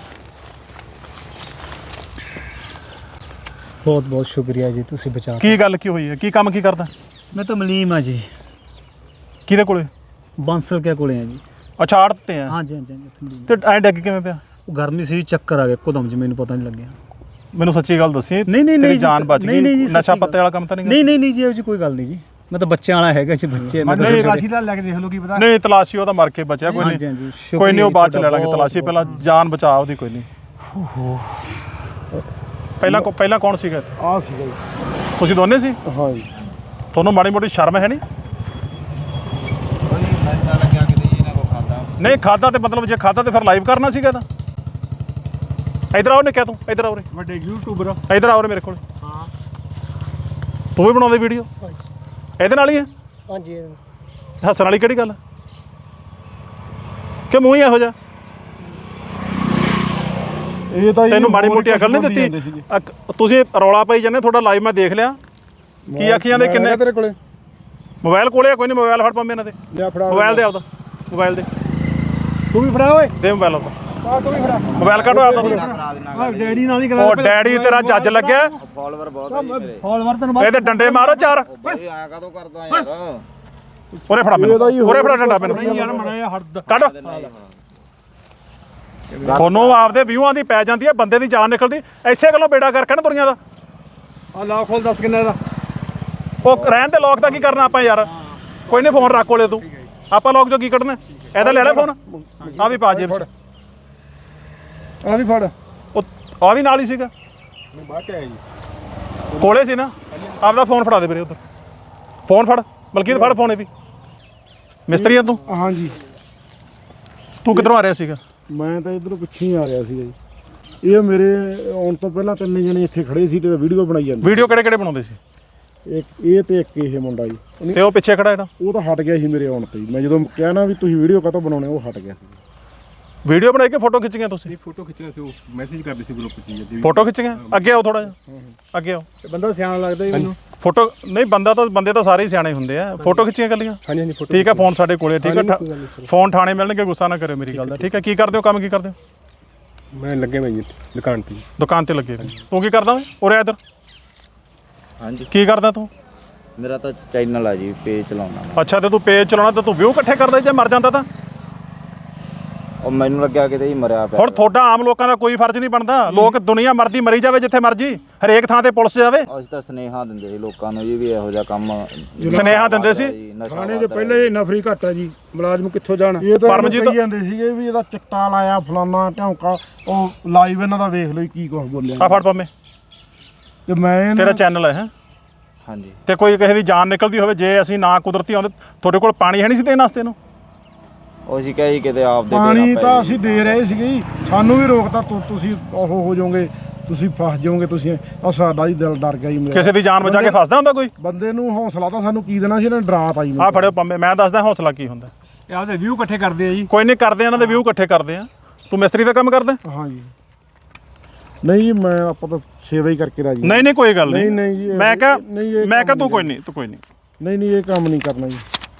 ਬਹੁਤ ਬਹੁਤ ਸ਼ੁਕਰੀਆ ਜੀ ਤੁਸੀਂ ਬਚਾ ਕੀ ਗੱਲ ਕੀ ਹੋਈ ਹੈ ਕੀ ਕੰਮ ਕੀ ਕਰਦਾ ਮੈਂ ਤਾਂ ਮਲੀਮ ਆ ਜੀ ਕਿਹਦੇ ਕੋਲੇ ਬਾਂਸਲ ਕੇ ਕੋਲੇ ਆ ਜੀ ਅੱਛਾ ਆੜ ਦਿੱਤੇ ਆ ਹਾਂਜੀ ਹਾਂਜੀ ਹਾਂਜੀ ਇੱਥੇ ਮਲੀਮ। ਤੇ ਐਂ ਡੱਗ ਕਿਵੇਂ ਪਿਆ ਉਹ ਗਰਮੀ ਸੀ ਚੱਕਰ ਆ ਗਿਆ ਇੱਕਦਮ ਜੀ ਮੈਨੂੰ ਪਤਾ ਨਹੀਂ ਲੱਗਿਆ ਮੈਨੂੰ ਸੱਚੀ ਗੱਲ ਦੱਸੀ ਨਹੀਂ ਨਹੀਂ ਤੇਰੀ ਨਹੀਂ ਜੀ, ਜਾਨ ਬਚ ਨਹੀਂ, ਨਹੀਂ ਗਈ ਜੀ, ਨਸ਼ਾ ਸੱਚੀ ਪੱਤੇ ਵਾਲਾ ਕੰਮ ਤਾਂ ਨਹੀਂ ਨਹੀਂ ਨਹੀਂ ਨਹੀਂ ਜੀ ਇਹੋ ਜਿਹੀ ਕੋਈ ਗੱਲ ਨਹੀਂ ਜੀ ਮੈਂ ਤਾਂ ਬੱਚਿਆਂ ਵਾਲਾ ਹੈਗਾ ਜੀ ਬੱਚੇ ਮੈਂ ਤਾਂ ਨਹੀਂ, ਛੋਟੇ- ਦਾ ਲੈ ਕੇ ਦੇਖ ਲਓ ਕੀ ਪਤਾ ਨਹੀਂ ਤਲਾਸ਼ੀ ਉਹ ਤਾਂ ਮਰ ਕੇ ਬਚਿਆ ਕੋਈ ਹਾਂਜੀ, ਨਹੀਂ ਹਾਂਜੀ, ਕੋਈ ਨਹੀਂ ਉਹ ਬਾਅਦ ਚ ਲੈ ਸ਼ੁਕਰੀਆ ਲਾਂਗੇ ਜੀ ਤਲਾਸ਼ੀ ਪਹਿਲਾਂ ਜਾਨ ਬਚਾ ਉਹਦੀ ਕੋਈ ਨਹੀਂ ਪਹਿਲਾਂ ਕੋ- ਪਹਿਲਾਂ ਕੌਣ ਸੀਗਾ ਇੱਥੇ? ਆ ਸੀਗਾ ਜੀ ਤੁਸੀਂ ਦੋਨੇ ਸੀ ਹਾਂ ਜੀ ਤੁਹਾਨੂੰ ਮਾੜੀ ਮੋਟੀ ਸ਼ਰਮ ਹੈ ਨਹੀਂ ਕੋਈ ਨਸ਼ਾ ਲੱਗਿਆ ਕਿਤੇ ਇਹਨਾਂ ਕੋ ਖਾਦਾ ਨਹੀਂ ਖਾਦਾ ਤੇ ਮਤਲਬ ਜੇ ਖਾਦਾ ਤੇ ਫਿਰ ਲਾਈਵ ਕਰਨਾ ਸੀਗਾ ਤਾਂ ਇਧਰ ਆਓ ਨੇ ਕਿਹਾ ਤੂੰ ਇਧਰ ਆਓ ਰੇ ਵੱਡੇ ਯੂਟਿਊਬਰ ਇਧਰ ਆਓ ਰੇ ਮੇਰੇ ਕੋਲ ਹਾਂ ਤੂੰ ਵੀ ਬਣਾਉਂਦੇ ਵੀਡੀਓ ਇਹਦੇ ਨਾਲ ਹੀ ਹੈ ਹਾਂਜੀ ਹੱਸਣ ਵਾਲੀ ਕਿਹੜੀ ਗੱਲ ਹੈ ਕਿ ਮੂੰਹ ਹੀ ਇਹੋ ਜਿਹਾ ਇਹ ਤਾਂ ਜੀ ਤੈਨੂੰ ਮਾੜੀ ਹੋਰ ਮੋਟੀ ਅਕਲ ਨਹੀਂ ਕੁਛ ਬੋਲੀ ਜਾਂਦੇ ਦਿੱਤੀ ਸੀਗੇ। ਅਕ- ਤੁਸੀਂ ਰੌਲਾ ਪਾਈ ਜਾਂਦੇ ਤੁਹਾਡਾ ਲਾਈਵ ਮੈਂ ਦੇਖ ਲਿਆ ਕੀ ਆਖੀਆਂ ਦੇ ਮੈਂ ਕਿੰਨੇ ਹੈਗਾ ਤੇਰੇ ਕੋਲੇ ਮੋਬਾਈਲ ਕੋਲੇ ਆ ਕੋਈ ਨਹੀਂ ਮੋਬਾਈਲ ਫੜ ਪੰਮੇ ਇਹਨਾਂ ਦੇ ਲਿਆ ਫੜਾ ਮੋਬਾਈਲ ਦੇ ਆਪਦਾ ਮੋਬਾਈਲ ਦੇ ਤੂੰ ਵੀ ਫੜਾ ਓਏ ਦੇ ਮੋਬਾਈਲ ਆਪਦਾ ਆ ਤੂੰ ਵੀ ਫੜਾ ਮੋਬਾਈਲ ਕੱਢੋ ਆਪਦਾ ਤੂੰ। ਕਰਾ ਦੇਣਾ ਆ ਡੈਡੀ ਨਾਲ ਹੀ ਉਹ ਡੈਡੀ ਤੇਰਾ ਜੱਜ ਲੱਗਿਆ ਫਾਲੋਅਰ ਬਹੁਤ ਆ ਜੀ ਮੇਰੇ ਫਾਲੋਵਰ ਤੈਨੂੰ ਇਹਦੇ ਡੰਡੇ ਮਾਰੋ ਚਾਰ ਬਈ ਆਇਆ ਕਦੋਂ ਕਰਦਾ ਯਾਰ ਉਰੇ ਫੜਾ ਮੈਨੂੰ ਉਰੇ ਫੜਾ ਡੰਡਾ ਮੈਨੂੰ ਯਾਰ ਮੜਾ ਜਿਹਾ ਹੱਦ ਕੱਢ ਤੁਹਾਨੂੰ ਆਪਦੇ ਵਿਊਆਂ ਦੀ ਪੈ ਜਾਂਦੀ ਹੈ ਬੰਦੇ ਦੀ ਜਾਨ ਨਿਕਲਦੀ ਐਸੇ ਗੱਲੋਂ ਬੇੜਾ ਕਰਕੇ ਨਾ ਦੁਨੀਆ ਦਾ ਆ ਲਾ ਖੋਲ ਦੱਸ ਕਿੰਨਾ ਦਾ ਉਹ ਰਹਿਣ ਦੇ ਲੋਕ ਦਾ ਕੀ ਕਰਨਾ ਆਪਾਂ ਯਾਰ ਕੋਈ ਨਹੀਂ ਫੋਨ ਰੱਖ ਕੋਲੇ ਤੂੰ ਆਪਾਂ ਲੋਕ ਜੋ ਕੀ ਕੱਢਣਾ ਇਹਦਾ ਲੈ ਲੈ ਫੋਨ ਆ ਵੀ ਪਾ ਜੇਬ ਚ ਆ ਵੀ ਫੜ ਉਹ ਆ ਵੀ ਨਾਲ ਹੀ ਸੀਗਾ ਬਾਅਦ ਚ ਆਇਆ ਜੀ ਕੋਲੇ ਸੀ ਨਾ ਆਪਦਾ ਫੋਨ ਫੜਾ ਦੇ ਵੀਰੇ ਉਧਰ ਫੋਨ ਫੜ ਮਲਕੀਤ ਫੜ ਫੋਨ ਇਹ ਵੀ ਮਿਸਤਰੀ ਆ ਤੂੰ ਹਾਂ ਜੀ ਤੂੰ ਕਿੱਧਰੋਂ ਆ ਰਿਹਾ ਸੀਗਾ ਮੈਂ ਤਾਂ ਇਧਰੋਂ ਪਿੱਛੇ ਹੀ ਆ ਰਿਹਾ ਸੀਗਾ ਜੀ ਇਹ ਮੇਰੇ ਆਉਣ ਤੋਂ ਪਹਿਲਾਂ ਤਿੰਨ ਜਣੇ ਇੱਥੇ ਖੜੇ ਸੀ ਤੇ ਵੀਡੀਓ ਬਣਾਈ ਜਾਂਦੇ ਵੀਡੀਓ ਕਿਹੜੇ ਕਿਹੜੇ ਬਣਾਉਂਦੇ ਸੀ ਇੱਕ ਇਹ ਤੇ ਇੱਕ ਇਹ ਮੁੰਡਾ ਜੀ ਉਹਨੇ- ਤੇ ਉਹ ਪਿੱਛੇ ਖੜਾ ਜਿਹੜਾ ਉਹ ਤਾਂ ਹਟ ਗਿਆ ਸੀ ਮੇਰੇ ਆਉਣ ਤੇ ਹੀ। ਮੈਂ ਜਦੋਂ ਕਿਹਾ ਨਾ ਵੀ ਤੁਸੀਂ ਵੀਡੀਓ ਕਾਹਤੋਂ ਬਣਾਉਣੇ ਉਹ ਹਟ ਗਿਆ ਸੀ ਵੀਡੀਓ ਬਣਾਈ ਕੇ ਫੋਟੋ ਖਿੱਚੀਆਂ ਤੁਸੀਂ ਫੋਟੋ ਖਿੱਚਣਾ ਸੀ ਉਹ ਮੈਸੇਜ ਕਰਦੇ ਸੀ ਗਰੁੱਪ 'ਚ ਜੀ ਫੋਟੋ ਖਿੱਚੀਆਂ ਅੱਗੇ ਆਓ ਥੋੜਾ ਜਿਹਾ ਅੱਗੇ ਆਓ ਬੰਦਾ ਸਿਆਣਾ ਲੱਗਦਾ ਜੀ ਮੈਨੂੰ ਫੋਟੋ ਨਹੀਂ ਬੰਦਾ ਤਾਂ ਬੰਦੇ ਤਾਂ ਸਾਰੇ ਹੀ ਸਿਆਣੇ ਹੁੰਦੇ ਆ ਫੋਟੋ ਖਿੱਚੀਆਂ ਕੱਲੀਆਂ ਹਾਂਜੀ ਹਾਂਜੀ ਫੋਟੋ ਠੀਕ ਹੈ ਫੋਨ ਸਾਡੇ ਕੋਲੇ ਠੀਕ ਹੈ ਕੋਈ ਗੱਲ ਨਹੀਂ ਠਾ- ਫੋਨ ਥਾਣੇ ਮਿਲਣਗੇ ਗੁੱਸਾ ਨਾ ਕਰਿਓ ਮੇਰੀ ਗੱਲ ਦਾ ਠੀਕ ਹੈ ਕੀ ਕਰਦੇ ਹੋ ਕੰਮ ਕੀ ਕਰਦੇ ਹੋ ਮੈਂ ਲੱਗੇ ਮੈਂ ਜੀ ਦੁਕਾਨ ਤੇ ਦੁਕਾਨ ਤੇ ਲੱਗੇ ਹੋਏ। ਤੂੰ ਕੀ ਕਰਦਾ ਓਏ ਉਰੇ ਆ ਇੱਧਰ ਹਾਂਜੀ ਕੀ ਕਰਦਾ ਤੂੰ ਮੇਰਾ ਤਾਂ ਚੈਨਲ ਆ ਜੀ ਪੇਜ ਚਲਾਉਣਾ ਅੱਛਾ ਤੇ ਤੂੰ ਪੇਜ ਚਲਾਉਣਾ ਤੇ ਤੂੰ ਵਿਊ ਇਕੱਠੇ ਕਰਦਾ ਜੇ ਮਰ ਜਾਂਦਾ ਤਾਂ ਉਹ ਮੈਨੂੰ ਲੱਗਿਆ ਕਿਤੇ ਹੀ ਮਰਿਆ ਪਿਆ ਹੁਣ ਤੁਹਾਡਾ ਆਮ ਲੋਕਾਂ ਦਾ ਕੋਈ ਫਰਜ਼ ਨਹੀਂ ਬਣਦਾ ਲੋਕ ਦੁਨੀਆ ਮਰਦੀ ਮਰੀ ਜਾਵੇ ਜਿੱਥੇ ਮਰਜੀ ਹਰੇਕ ਥਾਂ ਤੇ ਪੁਲਿਸ ਜਾਵੇ ਅਸੀਂ ਤਾਂ ਸਨੇਹਾ ਦਿੰਦੇ ਸੀ ਲੋਕਾਂ ਨੂੰ ਜੀ ਵੀ ਇਹੋ ਜਿਹਾ ਕੰਮ ਸੁਨੇਹਾ ਦਿੰਦੇ ਸੀ ਜੀ, ਨਸ਼ਾ ਥਾਣੇ ਦੇ ਵੱਧਦਾ ਪਹਿਲੇ ਹੀ ਨਫਰੀ ਘੱਟ ਆ ਜੀ ਮੁਲਾਜ਼ਮ ਕਿੱਥੋਂ ਜਾਣ ਇਹ ਤਾਂ ਪਰਮਜੀਤ- ਕਹੀ ਜਾਂਦੇ ਸੀਗੇ ਵੀ ਇਹਦਾ ਚਿੱਟਾ ਲਾਇਆ ਫਲਾਨਾ ਢੌਂਕਾ ਉਹ ਲਾਈਵ ਇਹਨਾਂ ਦਾ ਵੇਖ ਲਓ ਜੀ ਕੀ ਕੁਝ ਬੋਲਿਆ ਆ ਫੜ ਪੰਮੇ ਤੇ ਮੈਂ ਇਹਨੂੰ- ਤੇਰਾ ਚੈਨਲ ਹੈ ਹੈਂ? ਹਾਂਜੀ ਤੇ ਕੋਈ ਕਿਸੇ ਦੀ ਜਾਨ ਨਿਕਲਦੀ ਹੋਵੇ ਜੇ ਅਸੀਂ ਨਾ ਕੁਦਰਤੀ ਆਉਂਦੇ ਤੁਹਾਡੇ ਕੋਲ ਪਾਣੀ ਹੈ ਨਹੀਂ ਸੀ ਦੇਣ ਵਾਸਤੇ ਇਹਨੂੰ ਉਹ ਅਸੀਂ ਕਹੇ ਜੀ ਕਿਤੇ ਆਪ ਦੇ ਪਾਣੀ ਦੇਣਾ ਤਾਂ ਪਏ ਅਸੀਂ ਦੇ ਰਹੇ ਸੀਗੇ ਜੀ ਸਾਨੂੰ ਵੀ ਰੋਕਤਾ ਤੁ- ਤੁਸੀਂ ਉਹ ਹੋ ਜਾਓਗੇ ਤੁਸੀਂ ਫਸ ਜਾਓਗੇ ਤੁਸੀਂ ਆ ਸਾਡਾ ਹੀ ਦਿਲ ਡਰ ਗਿਆ ਜੀ ਮੇਰਾ। ਕਿਸੇ ਦੀ ਜਾਨ ਬਚਾ ਕੇ ਫਸਦਾ ਹੁੰਦਾ ਕੋਈ ਬੰਦੇ ਨੂੰ ਹੌਸਲਾ ਤਾਂ ਸਾਨੂੰ ਕੀ ਦੇਣਾ ਸੀ ਇਹਨਾਂ ਨੇ ਡਰਾਤਾ ਜੀ ਆ ਫੜਿਓ ਪੰਮੇ ਮੈਂ ਦੱਸਦਾ ਹੌਸਲਾ ਕੀ ਹੁੰਦਾ ਇਹ ਆਪਦੇ ਵਿਊ ਇਕੱਠੇ ਕਰਦੇ ਆ ਜੀ ਕੋਈ ਨਹੀਂ ਕਰਦੇ ਆ, ਇਹਨਾਂ ਦੇ ਵਿਊ ਇਕੱਠੇ ਕਰਦੇ ਆ ਤੂੰ ਮਿਸਤਰੀ ਦਾ ਕੰਮ ਕਰਦਾ ਹਾਂ ਜੀ ਨਹੀਂ ਜੀ ਮੈਂ ਆਪਾਂ ਤਾਂ ਸੇਵਾ ਹੀ ਕਰਕੇ ਰਾਜੀ ਨਹੀਂ ਨਹੀਂ ਕੋਈ ਗੱਲ ਨਹੀਂ ਨਹੀਂ, ਨਹੀਂ ਜੀ, ਇਹ- ਮੈਂ ਕਿਹਾ ਨਹੀਂ, ਇਹ ਮੈਂ ਕਿਹਾ ਕੰਮ ਤੂੰ ਨਹੀਂ ਕੋਈ ਨਹੀਂ ਤੂੰ ਕੋਈ ਨਹੀਂ ਨਹੀਂ ਨਹੀਂ ਇਹ ਕੰਮ ਨਹੀਂ ਕਰਨਾ ਜੀ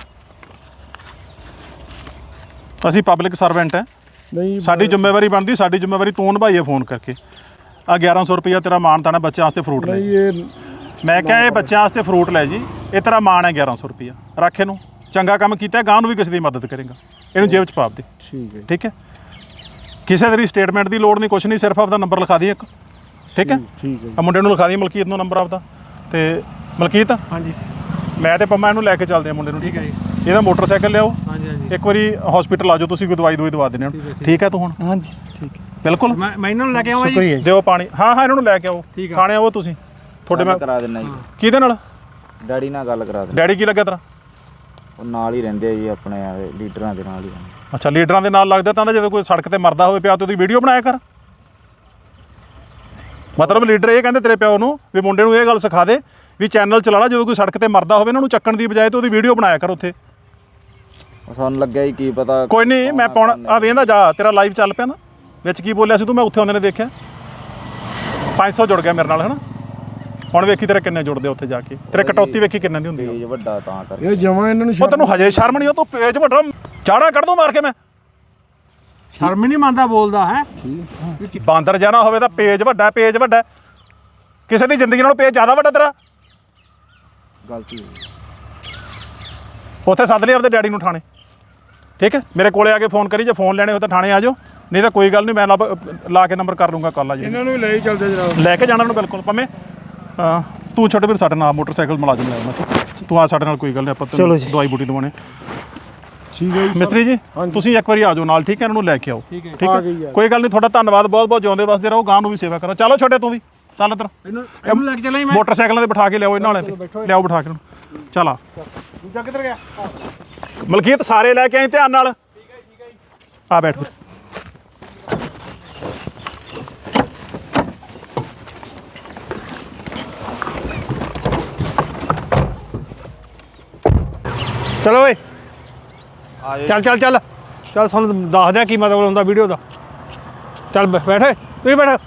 ਅਸੀਂ ਪਬਲਿਕ ਸਰਵੈਂਟ ਹੈ ਨਹੀਂ ਸਾਡੀ ਜ਼ਿੰਮੇਵਾਰੀ ਬਣਦੀ ਸਾਡੀ ਜ਼ਿੰਮੇਵਾਰੀ ਤੂੰ ਨਿਭਾਈਏ ਫੋਨ ਕਰਕੇ ਆ ਗਿਆਰਾਂ ਸੌ ਰੁਪਈਆ ਤੇਰਾ ਮਾਣ ਤਾਣਾ ਬੱਚਿਆਂ ਵਾਸਤੇ ਫਰੂਟ ਲੈ ਨਹੀਂ ਜੀ ਇਹ ਮੈਂ ਕਿਹਾ ਇਹ ਬੱਚਿਆਂ ਵਾਸਤੇ ਫਰੂਟ ਲੈ ਜੀ ਇਹ ਤੇਰਾ ਮਾਣ ਹੈ ਗਿਆਰਾਂ ਸੌ ਰੁਪਈਆ ਰੱਖ ਇਹਨੂੰ ਚੰਗਾ ਕੰਮ ਕੀਤਾ ਗਾਂ ਨੂੰ ਵੀ ਕਿਸੇ ਦੀ ਮਦਦ ਕਰੇਗਾ ਇਹਨੂੰ ਜੇਬ 'ਚ ਪਾ ਦੇ ਠੀਕ ਹੈ ਠੀਕ ਹੈ ਕਿਸੇ ਤੇਰੀ ਸਟੇਟਮੈਂਟ ਦੀ ਲੋੜ ਨਹੀਂ ਕੁਛ ਨਹੀਂ ਸਿਰਫ ਆਪਦਾ ਨੰਬਰ ਲਿਖਾ ਦੀ ਇੱਕ ਠੀਕ ਹੈ ਠੀਕ ਹੈ ਆ ਮੁੰਡੇ ਨੂੰ ਲਿਖਾ ਦੀ ਮਲਕੀਤ ਨੂੰ ਨੰਬਰ ਆਪਦਾ ਤੇ ਮਲਕੀਤ ਹਾਂਜੀ ਮੈਂ ਤੇ ਪੰਮਾ ਇਹਨੂੰ ਲੈ ਕੇ ਚੱਲਦੇ ਆ ਮੁੰਡੇ ਨੂੰ ਠੀਕ ਹੈ ਜੀ ਇਹਦਾ ਮੋਟਰਸਾਈਕਲ ਲਿਆਓ ਹਾਂਜੀ ਹਾਂਜੀ ਇੱਕ ਵਾਰੀ ਹਸਪੀਟਲ ਆ ਜਾਓ ਤੁਸੀਂ ਕੋਈ ਦਵਾਈ ਦਵਾਈ ਦਵਾ ਦੇਣੇ ਠੀਕ ਹੈ ਤੂੰ ਹੁਣ ਹਾਂਜੀ ਠੀਕ ਹੈ ਬਿਲਕੁਲ ਮੈਂ ਮੈਂ ਇਹਨਾਂ ਨੂੰ ਲੈ ਕੇ ਆਵਾਂ ਜੀ ਸ਼ੁਕਰੀਆ ਜੀ ਦਿਓ ਪਾਣੀ ਹਾਂ ਹਾਂ ਇਹਨਾਂ ਨੂੰ ਲੈ ਕੇ ਆਓ ਠੀਕ ਆ। ਖਾਣੇ ਆਓ ਤੁਸੀਂ ਤੁਹਾਡੇ ਮੈਂ ਕਰਾ ਦੇਣਾ ਜੀ ਕਿਹਦੇ ਨਾਲ ਡੈਡੀ ਨਾਲ ਗੱਲ ਕਰਾ ਦੇਣਾ ਡੈਡੀ ਕੀ ਲੱਗਿਆ ਤੇਰਾ ਉਹ ਨਾਲ ਹੀ ਰਹਿੰਦੇ ਆ ਜੀ ਆਪਣੇ ਆ ਲੀਡਰਾਂ ਦੇ ਨਾਲ ਹੀ ਰਹਿੰਦੇ। ਅੱਛਾ ਲੀਡਰਾਂ ਦੇ ਨਾਲ ਲੱਗਦਾ ਤਾਂ ਜਦੋਂ ਕੋਈ ਸੜਕ ਤੇ ਮਰਦਾ ਹੋਵੇ ਪਿਆ ਤੇ ਉਹਦੀ ਵੀਡੀਓ ਬਣਾਇਆ ਕਰ ਮਤਲਬ ਲੀਡਰ ਇਹ ਕਹਿੰਦੇ ਤੇਰੇ ਪਿਓ ਨੂੰ ਵੀ ਮੁੰਡੇ ਨੂੰ ਇਹ ਗੱਲ ਸਿਖਾ ਦੇ ਵੀ ਚੈਨਲ ਚਲਾ ਲਾ, ਜਦੋਂ ਕੋਈ ਸੜਕ ਤੇ ਮਰਦਾ ਹੋਵੇ ਇਹਨਾਂ ਨੂੰ ਚੱਕਣ ਦੀ ਬਜਾਏ ਤੇ ਉਹਦੀ ਵੀਡੀਓ ਬਣਾਇਆ ਕਰ ਉੱਥੇ। ਸਾਨੂੰ ਲੱਗਿਆ ਹੀ ਕੀ ਪਤਾ। ਕੋਈ ਨਹੀਂ, ਮੈਂ ਪਾਉਣਾ ਆ ਵੇਂਦਾ ਜਾ, ਤੇਰਾ ਲਾਈਵ ਚੱਲ ਪਿਆ ਨਾ, ਵਿੱਚ ਕੀ ਬੋਲਿਆ ਸੀ ਤੂੰ, ਮੈਂ ਉੱਥੇ ਆਉਂਦੇ ਨੇ ਦੇਖਿਆ ਪੰਜ ਸੌ ਜੁੜ ਗਿਆ ਮੇਰੇ ਨਾਲ, ਹੈ ਨਾ। ਹੁਣ ਵੇਖੀ ਤੇਰੇ ਕਿੰਨੇ ਜੁੜਦੇ ਉੱਥੇ ਜਾ ਕੇ, ਤੇਰੇ ਕਟੌਤੀ ਵੇਖੀ ਕਿੰਨੇ ਦੀ ਹੁੰਦੀ ਆ। ਪੇਜ ਵੱਡਾ ਤਾਂ ਕਰ ਇਹ ਜਮਾਂ ਇਹਨਾਂ ਨੂੰ ਉਹ ਤੈਨੂੰ ਹਜੇ ਸ਼ਰਮ ਨਹੀਂ, ਉਹ ਤੂੰ ਪੇਜ ਵੱਡਾ ਚਾੜਾ ਕੱਢ ਦੂੰ ਮਾਰ ਕੇ ਮੈਂ। ਸ਼ਰਮ ਹੀ ਨਹੀਂ ਮੰਨਦਾ ਬੋਲਦਾ ਹੈ। ਬਾਂਦਰ ਜਾਣਾ ਹੋਵੇ ਤਾਂ ਪੇਜ ਵੱਡਾ, ਪੇਜ ਵੱਡਾ, ਕਿਸੇ ਦੀ ਜ਼ਿੰਦਗੀ ਨਾਲੋਂ ਪੇਜ ਜ਼ਿਆਦਾ ਵੱਡਾ ਤੇਰਾ। ਗਲਤੀ ਉੱਥੇ ਸੱਦ ਲਈ ਆਪਦੇ ਡੈਡੀ ਨੂੰ ਥਾਣੇ, ਠੀਕ ਹੈ। ਮੇਰੇ ਕੋਲੇ ਆ ਕੇ ਫੋਨ ਕਰੀ, ਜੇ ਫੋਨ ਲੈਣੇ ਹੋ ਤਾਂ ਥਾਣੇ ਆ ਜਾਓ, ਨਹੀਂ ਤਾਂ ਕੋਈ ਗੱਲ ਨਹੀਂ, ਮੈਂ ਲਾ ਲਾ ਕੇ ਨੰਬਰ ਕਰ ਲੂੰਗਾ ਕਾਲ ਆ ਜੀ। ਇਹਨਾਂ ਨੂੰ ਵੀ ਲੈ ਹੀ ਚੱਲਦੇ ਜਨਾਬ। ਲੈ ਕੇ ਜਾਣਾ ਨੂੰ ਬਿਲਕੁਲ ਭਾਵੇਂ ਹਾਂ, ਤੂੰ ਛੱਡ ਵੀਰ ਸਾਡੇ ਨਾਲ ਮੋਟਰਸਾਈਕਲ ਮੁਲਾਜ਼ਮ ਆਇਆ ਮੈਂ, ਤੂੰ ਆ ਸਾਡੇ ਨਾਲ, ਕੋਈ ਗੱਲ ਨਹੀਂ, ਆਪਾਂ ਤੈਨੂੰ ਦਵਾਈ ਬੂਟੀ ਦਵਾਉਣੇ। ਠੀਕ ਹੈ ਜੀ ਮਿਸਤਰੀ ਜੀ ਤੁਸੀਂ ਇੱਕ ਵਾਰੀ ਆ ਜਾਓ ਨਾਲ, ਠੀਕ ਹੈ, ਇਹਨਾਂ ਨੂੰ ਲੈ ਕੇ ਆਓ, ਠੀਕ ਹੈ। ਠੀਕ ਹੈ, ਕੋਈ ਗੱਲ ਨਹੀਂ, ਤੁਹਾਡਾ ਧੰਨਵਾਦ ਬਹੁਤ ਬਹੁਤ, ਜਿਉਂਦੇ ਵਸਦੇ ਰਹੋ, ਗਾਂ ਨੂੰ ਵੀ ਸੇਵਾ ਕਰੋ। ਚਲੋ ਛੱਡੇ ਤੂੰ ਵੀ ਚੱਲ ਇੱਧਰ, ਇਹਨੂੰ ਇਹਨੂੰ ਲੈ ਕੇ ਚੱਲਾਂ ਮੈਂ। ਮੋਟਰਸਾਈਕਲਾਂ ਤੇ ਬਿਠਾ ਕੇ ਲਿਆਓ ਇਹਨਾਂ ਵਾਲੇ ਤੇ, ਲਿਆਓ ਬਿਠਾ ਕੇ ਇਹਨੂੰ। ਚੱਲ ਆ ਦੂਜਾ ਕਿੱਧਰ ਗਿਆ? ਮਲਕੀਤ ਸਾਰੇ ਲੈ ਕੇ ਆਈ ਧਿਆਨ ਨਾਲ। ਠੀਕ ਹੈ ਠੀਕ ਹੈ ਜੀ, ਆ ਬੈਠ ਫਿਰ। ਚਲੋ ਓਏ ਚੱਲ ਚੱਲ ਚੱਲ ਚੱਲ, ਸਾਨੂੰ ਦੱਸ ਦਿਆਂ ਕੀ ਮਤਲਬ ਹੁੰਦਾ ਵੀਡੀਓ ਦਾ। ਚੱਲ ਬੈ- ਬੈਠ ਓਏ, ਤੂੰ ਵੀ ਬੈਠ।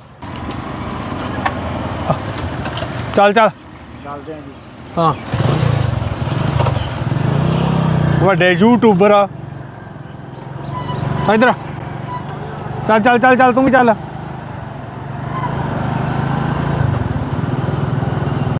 ਚੱਲ ਚੱਲ ਚੱਲਦੇ ਆਂ ਜੀ। ਹਾਂ, ਵੱਡੇ ਯੂਟਿਊਬਰ ਆ। ਇੱਧਰ ਚੱਲ ਚੱਲ ਚੱਲ ਚੱਲ, ਤੂੰ ਵੀ ਚੱਲ।